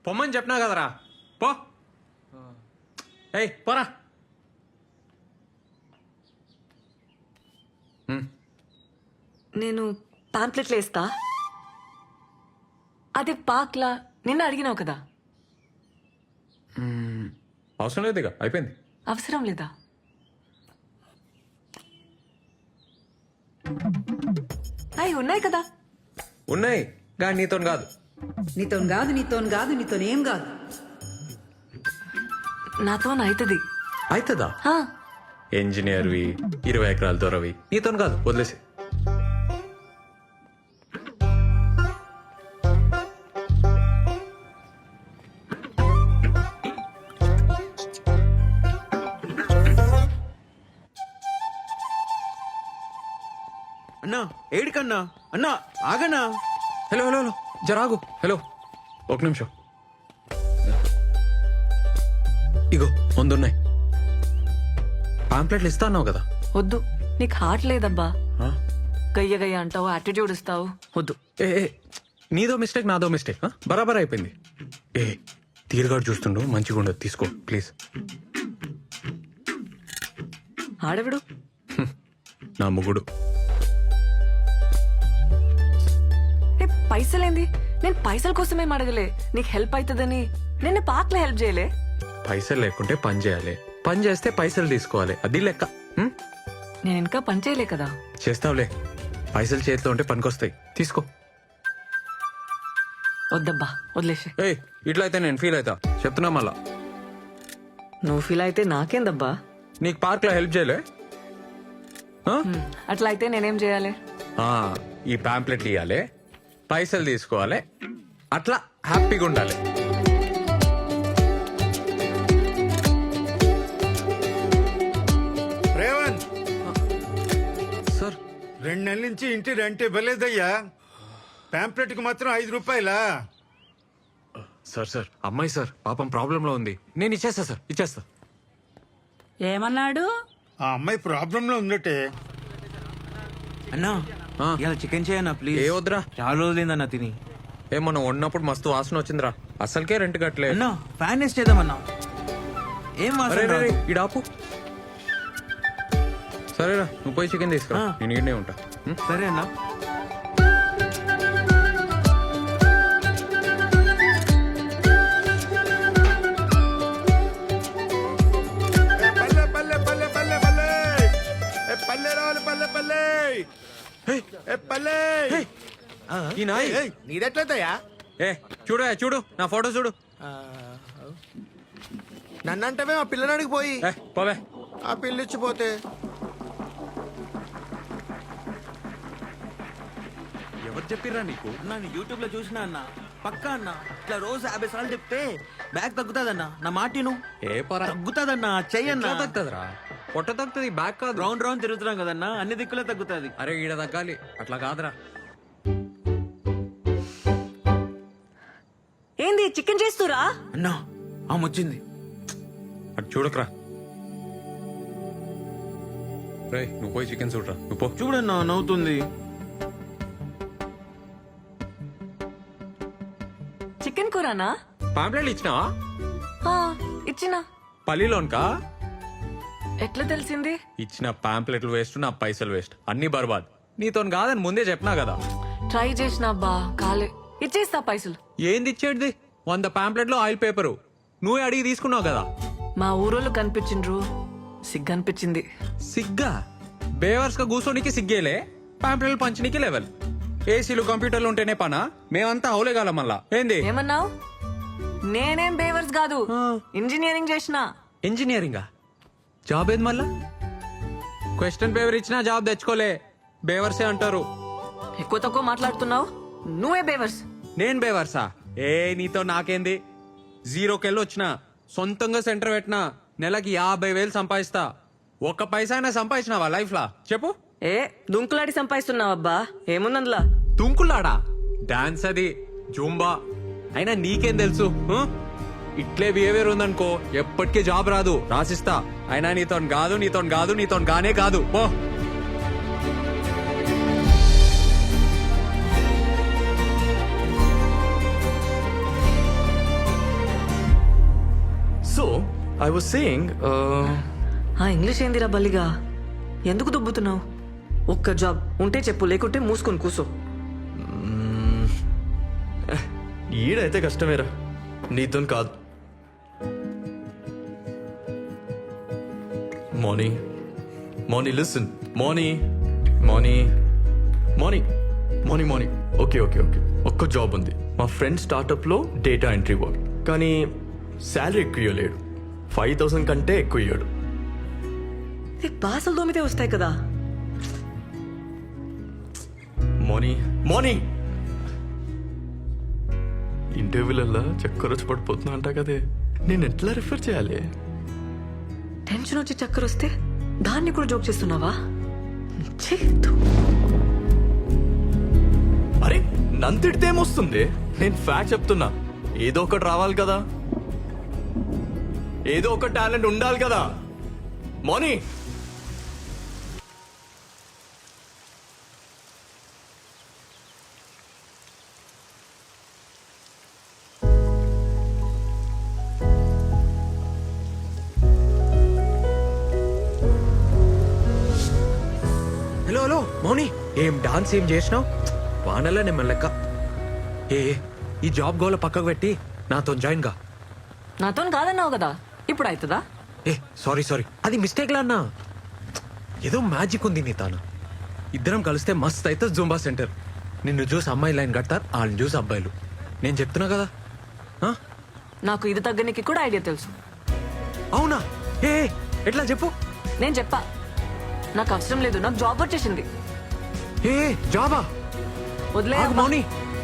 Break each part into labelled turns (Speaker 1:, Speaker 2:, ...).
Speaker 1: పొమ్మని చెప్పినా కదరా పో. ఏయ్ పోరా.
Speaker 2: నేను పాంప్లెట్లు వేస్తా. అదే పాక్లా నిన్న అడిగినావు కదా.
Speaker 1: అవసరం లేదు ఇక అయిపోయింది.
Speaker 2: అవసరం లేదా? అవి ఉన్నాయి కదా.
Speaker 1: ఉన్నాయి కానీ నీతో కాదు.
Speaker 3: నీతోనేం కాదు.
Speaker 2: నాతో అవుతుంది.
Speaker 1: అవుతుందా? ఇంజనీర్వి 20 ఎకరాల దొరవి నీతో కాదు, వదిలేసి.
Speaker 4: అన్నా ఏడికన్నా అన్నా ఆగన్నా.
Speaker 1: హలో హలో హలో జరాగు. హలో ఒక నిమిషం. ఇగో ముందున్నాయి పాంప్లెట్లు. ఇస్తా అన్నావు కదా.
Speaker 2: వద్దు, నీకు హార్ట్ లేదబ్బా.
Speaker 1: ఆ?
Speaker 2: గయ్య గయ్య అంటావు, యాటిట్యూడ్ ఇస్తావు. వద్దు.
Speaker 1: ఏ నీదో మిస్టేక్ నాదో మిస్టేక్. బరాబర్ అయిపోయింది. తీరుగాడు చూస్తుండు, మంచిగా ఉండదు. తీసుకో ప్లీజ్.
Speaker 2: ఆడవిడు
Speaker 1: నా ముగ్గుడు.
Speaker 2: పైసలేంది? నేను పైసల కోసమేం అడగలే. నీకు హెల్ప్ అవుతుందని నిన్న పాక్లో హెల్ప్ చేయలే.
Speaker 1: పైసలు లేకుంటే పని చేయాలి, పని చేస్తే పైసలు తీసుకోవాలి. అది లెక్క.
Speaker 2: నేను ఇంకా పని చేయలే కదా.
Speaker 1: చేస్తావులే. పైసలు చేతిలో ఉంటే పనికొస్తాయి. తీసుకో.
Speaker 2: వద్దబ్బా, వదిలేసి.
Speaker 1: ఏయ్ ఇట్లా అయితే నేను ఫీల్ అవుతా, చెప్తున్నా మళ్ళా.
Speaker 2: నువ్వు ఫీల్ అయితే నాకేందబ్బా.
Speaker 1: నీకు పార్క్ లో హెల్ప్ చేయలే?
Speaker 2: అట్లా అయితే నేనేం చేయాలి?
Speaker 1: ఈ పాంప్లెట్లు ఇవ్వాలి, పైసలు తీసుకోవాలి, అట్లా హ్యాపీగా ఉండాలి.
Speaker 5: రేవంత్
Speaker 1: సార్
Speaker 5: 2 నెలల నుంచి ఇంటి రెంట్ ఇవ్వలేదయ్యా. పాంప్లెట్ కి మాత్రం 5 రూపాయలా?
Speaker 1: సార్ సార్ అమ్మాయి సార్ పాపం ప్రాబ్లంలో ఉంది. నేను ఇచ్చేస్తా సార్, ఇచ్చేస్తా.
Speaker 3: ఏమన్నాడు?
Speaker 5: ఆ అమ్మాయి ప్రాబ్లం లో ఉందటే.
Speaker 4: అన్నా ఇలా చికెన్ చేయన్నా ప్లీజ్.
Speaker 1: ఏ వద్దురా,
Speaker 4: చాలా రోజులైందన్నా తిని.
Speaker 1: మనం వండినప్పుడు మస్తు వాసన వచ్చిందిరా. అసలుకే రెంట్ కట్టలే.
Speaker 4: అన్నా ఫ్యాన్ వేస్ట్ చేద్దామన్నా. ఏం
Speaker 1: అరే
Speaker 4: వాసన
Speaker 1: రే,
Speaker 4: రాదు.
Speaker 1: ఇడాపు. సరేరా నువ్వు పోయి చికెన్ తీసుకురా, నేను ఈడనే ఉంటా.
Speaker 4: సరే అన్నా.
Speaker 5: పల్లె పల్లె పల్లె పల్లె పల్లె పల్లె రావాలి. పల్లె పల్లె పల్లె.
Speaker 1: ఈ నాయ్
Speaker 6: నీదెట్లయితయా?
Speaker 1: చూడు చూడు నా ఫోటో చూడు.
Speaker 6: నన్నంటవే మా పిల్లనాడికి పోయి
Speaker 1: పోవే.
Speaker 6: ఆ పిల్లిచ్చిపోతే
Speaker 1: ఎవరు చెప్పిర్రా నీకు?
Speaker 4: నేను యూట్యూబ్ లో చూసినా అన్న. పక్కా అన్న ఇట్లా రోజు 50 సార్లు చెప్తే బ్యాగ్ తగ్గుతాదన్నా. నా మాటిను.
Speaker 1: ఏ పరా
Speaker 4: తగ్గుతాదన్నా, చెయ్యన్నా.
Speaker 1: తగ్గుతుందిరా, పొట్ట తగ్గుతుంది, బ్యాక్ కాదు.
Speaker 4: రౌండ్ రౌండ్ తిరుగుతున్నాం కదన్నా, అన్ని దిక్కులే తగ్గుతాది.
Speaker 1: అరే ఈడ తగ్గాలి, అట్లా కాదురా.
Speaker 2: ఏంది చికెన్ చేస్తురా?
Speaker 4: అన్నా ఆమె వచ్చింది.
Speaker 1: అటు చూడకరా. రే నువ్వు పోయి చికెన్ చూడరా. నువ్వు పో.
Speaker 4: చూడన్నా నవ్వుతుంది.
Speaker 2: చికెన్ కూరనా?
Speaker 1: పాంప్లెట్లు ఇచ్చినావా?
Speaker 2: ఇచ్చినా.
Speaker 1: పల్లిలోన్కా?
Speaker 2: ఎట్లా తెలిసింది?
Speaker 1: ఇచ్చిన పాంప్లెట్లు వేస్ట్, నా పైసలు వేస్ట్, అన్ని బర్బాద్. నీతో కాదని ముందే చెప్పినా కదా.
Speaker 2: ట్రై చేసినా అబ్బా, కాలే. ఇచ్చేస్తా పైసలు.
Speaker 1: ఏంది ఇచ్చేటిది? 100 పాంప్లెట్లు ఆయిల్ పేపరు నువ్వే అడిగి తీసుకున్నావు కదా.
Speaker 2: మా ఊరోళ్ళు కనిపించిండ్రు, సిగ్గనిపించింది.
Speaker 1: సిగ్గా? బేవర్స్ గా కూర్చోనికి సిగ్గేలే, పాంప్లెట్లు పంచనీకి లెవెల్. ఏసీలు కంప్యూటర్లు ఉంటేనే పనా? మేమంతా అవులేగాల మళ్ళా. ఏంది
Speaker 2: ఏమన్నావు? నేనేం బేవర్స్ కాదు, ఇంజనీరింగ్ చేసిన.
Speaker 1: ఇంజనీరింగా? జాబ్ ఏది మళ్ళా? క్వశ్చన్ పేపర్ ఇచ్చినా జాబ్ తెచ్చుకోలే, బేవర్సే అంటారు.
Speaker 2: ఎక్కువ తక్కువ మాట్లాడుతున్నావు, నువ్వే బేవర్స్.
Speaker 1: నేను బేవర్సా? నీతో నాకేంది? 0కెళ్ళి వచ్చినా, సొంతంగా సెంటర్ పెట్టినా, నెలకి 50,000 సంపాదిస్తా. ఒక్క పైసా అయినా సంపాదించినావా లైఫ్ లా? చెప్పు.
Speaker 2: దుంకులాడి సంపాదిస్తున్నావబ్బా, ఏముందందులా?
Speaker 1: తుంకులాడా? డాన్స్ అది, జూంబా. అయినా నీకేం తెలుసు? ఇట్లే బిహేవియర్ ఉందనుకో ఎప్పటికీ జాబ్ రాదు, రాసిస్తా. అయినా నీతో కాదు, నీతో కాదు, నీతో గానే కాదు. పో.
Speaker 7: I was saying,
Speaker 2: ఆ ఇంగ్లీష్ ఏందిరా బల్లిగా ఎందుకు దుబ్బుతున్నావు? ఒక్క జాబ్ ఉంటే చెప్పు, లేకుంటే మూసుకొని కూసో.
Speaker 7: ఈడైతే కష్టమేరా, నీతో కాదు. మార్నింగ్ లిసన్, మార్నింగ్ ఓకే ఒక్క జాబ్ ఉంది. మా ఫ్రెండ్ స్టార్టప్లో డేటా ఎంట్రీ వర్క్, కానీ శాలరీ ఎక్కువ ఇవ్వలేడు. 5,000 కంటే ఎక్కువ ఇవ్వడు.
Speaker 2: బాసలు దోమితే వస్తాయి కదా.
Speaker 7: మార్నింగ్ ఇంటర్వ్యూలల్లా చక్కర వచ్చి పడిపోతున్నా అంట కదే, నేను ఎట్లా రిఫర్ చేయాలి?
Speaker 2: టెన్షన్ వచ్చి చక్కర వస్తే దాన్ని కూడా జోక్ చేస్తున్నావా? ఛీ, ధూ.
Speaker 7: అరే నంతిడితే ఏమొస్తుంది? నేను ఫ్యాక్ట్ చెప్తున్నా. ఏదో ఒకటి రావాలి కదా, ఏదో ఒక టాలెంట్ ఉండాలి కదా. మార్నింగ్
Speaker 1: హలో మౌని, ఏం డాన్స్ ఏం చేసినావు? వానల్లా నేను లెక్క. ఈ జాబ్ గోల పక్కకు పెట్టి నాతో జాయిన్ గా.
Speaker 2: నాతో కాదన్నావు కదా, ఇప్పుడు అవుతుందా?
Speaker 1: సారీ అది మిస్టేక్ లా అన్నా. ఏదో మ్యాజిక్ ఉంది నీ తాను. ఇద్దరం కలిస్తే మస్త్ అయితే జూంబా సెంటర్. నిన్ను చూసి అమ్మాయి లైన్ కడతారు, వాళ్ళని చూసి అబ్బాయిలు. నేను చెప్తున్నా కదా.
Speaker 2: నాకు ఇది తగ్గనికి కూడా ఐడియా తెలుసు.
Speaker 1: అవునా? ఎట్లా చెప్పు.
Speaker 2: నేను చెప్పా, నాకు అవసరం లేదు, నాకు జాబ్ వచ్చేసింది.
Speaker 1: జాబా?
Speaker 2: వదిలే
Speaker 1: ఆగు మౌని.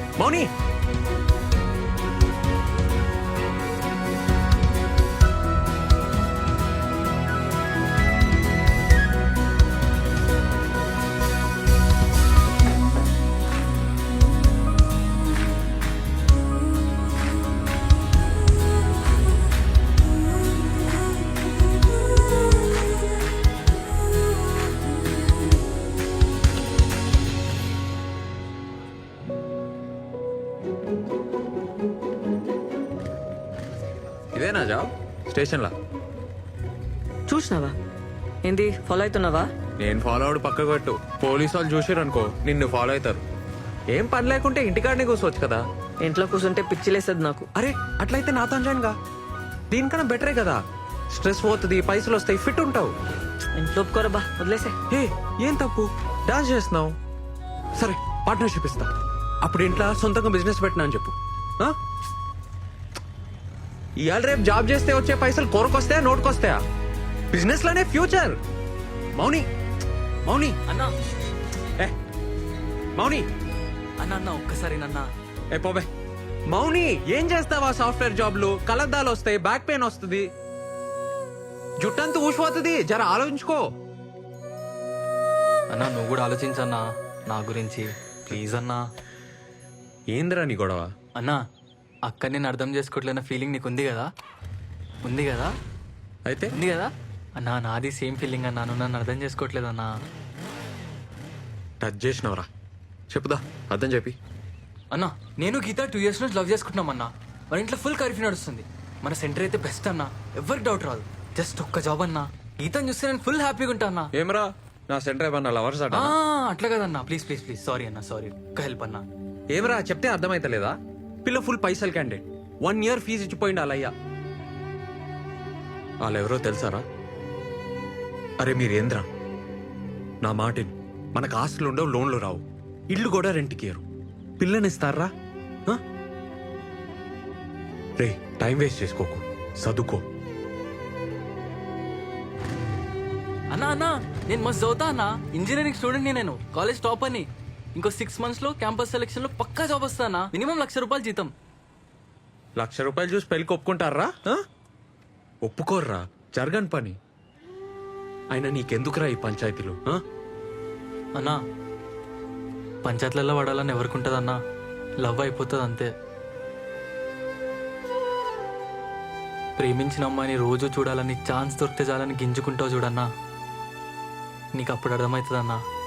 Speaker 1: ఇదేనా జాబ్? స్టేషన్లా
Speaker 2: చూసినావా? ఏంది ఫాలో అవుతున్నావా?
Speaker 1: నేను ఫాలో అవడు పక్కకు పెట్టు. పోలీసు వాళ్ళు చూసారనుకో నిన్ను ఫాలో అవుతారు. ఏం పని లేకుంటే ఇంటికాడనే కూర్చోవచ్చు కదా.
Speaker 2: ఇంట్లో కూర్చుంటే పిచ్చిలేస్తుంది నాకు.
Speaker 1: అరే అట్లయితే నాతో జాయిన్ గా. దీనికన్నా బెటరే కదా. స్ట్రెస్ పోతుంది, పైసలు వస్తాయి, ఫిట్ ఉంటావు.
Speaker 2: ఇంట్లో ఒప్పుకోరబ్బా, వదిలేసే.
Speaker 1: ఏం తప్పు? డాన్స్ చేస్తున్నావు, సరే పార్ట్నర్షిప్ ఇస్తా. అప్పుడు ఇంట్లో సొంతంగా బిజినెస్ పెట్టినా అని చెప్పు. ఇవాళ రేపు జాబ్ చేస్తే వచ్చే పైసలు కొరకొస్తాయా, నోటుకొస్తాయా? బిజినెస్ లోనే ఫ్యూచర్. మౌని
Speaker 4: అన్నా
Speaker 1: మౌని
Speaker 4: అన్న ఒక్కసారి నన్నా.
Speaker 1: పోబే. మౌని ఏం చేస్తావా? సాఫ్ట్వేర్ జాబ్లు కలద్దాలు వస్తాయి, బ్యాక్ పెయిన్ వస్తుంది, జుట్టంతా ఊసిపోతుంది. జర ఆలోచించుకో.
Speaker 8: అన్నా నువ్వు కూడా ఆలోచించన్నా నా గురించి, ప్లీజ్ అన్నా.
Speaker 1: ఏందిరా నీ గొడవ?
Speaker 8: అన్నా అక్క నేను అర్థం చేసుకోవట్లేన ఫీలింగ్ నీకు ఉంది కదా? ఉంది కదా?
Speaker 1: అయితే
Speaker 8: ఉంది కదా అన్నా? నాది సేమ్ ఫీలింగ్ అన్నా, నువ్వు నన్ను అర్థం చేసుకోవట్లేదన్నా.
Speaker 1: టచ్ చేసినవరా? చెప్పుదా, అర్థం చెప్పి.
Speaker 8: అన్నా నేను గీత 2 years నుంచి లవ్ చేసుకుంటున్నాం అన్నా. మన ఇంట్లో ఫుల్ కర్ఫ్యూ నడుస్తుంది. మన సెంటర్ అయితే బెస్ట్ అన్నా, ఎవరికి డౌట్ రాదు. జస్ట్ ఒక్క జాబ్ అన్నా, గీతను చూస్తే నేను ఫుల్ హ్యాపీగా ఉంటా అన్నా.
Speaker 1: ఏమరా నా సెంటర్ ఏమన్నా లవర్స్ అట?
Speaker 8: అట్లా కదన్నా, ప్లీజ్ సారీ అన్నా, సారీ. ఒక్క హెల్ప్ అన్నా.
Speaker 1: ఏమరా చెప్తే అర్థమైతలేదా? పిల్ల ఫుల్ పైసలు క్యాండిడేట్, 1 year ఫీజు ఇచ్చిపోయింది వాళ్ళయ్యా. వాళ్ళెవరో తెలుసారా? అరే మీరేంద్రా, నా మాటిని. మనకు ఆస్తులు ఉండవు, లోన్లు రావు, ఇల్లు కూడా రెంట్కి ఇయ్యరు. పిల్లనిస్తారా? రే టైం వేస్ట్ చేసుకోకు, చదువుకో.
Speaker 8: అన్నా నేను మస్తు చదువుతా అన్నా. ఇంజనీరింగ్ స్టూడెంట్ నేను, కాలేజ్ టాప్ అని. ఇంకో 6 months లో క్యాంపస్ సెలెక్షన్ లో పక్కా జాబ్ వస్తానా. మినిమం ₹1,00,000 జీతం.
Speaker 1: ₹1,00,000 చూసి పెళ్లికి ఒప్పుకుంటారా? ఒప్పుకోర్రా, జరగని పని. అయినా నీకెందుకురా ఈ పంచాయతీలు?
Speaker 8: అన్నా పంచాయతీలలో పడాలని ఎవరికి ఉంటుంది అన్నా? లవ్ అయిపోతుంది అంతే. ప్రేమించిన అమ్మాయిని రోజు చూడాలని, ఛాన్స్ దొరికితే చాలని గింజుకుంటావు చూడన్నా. నీకు అప్పుడు అర్థమవుతుంది అన్నా.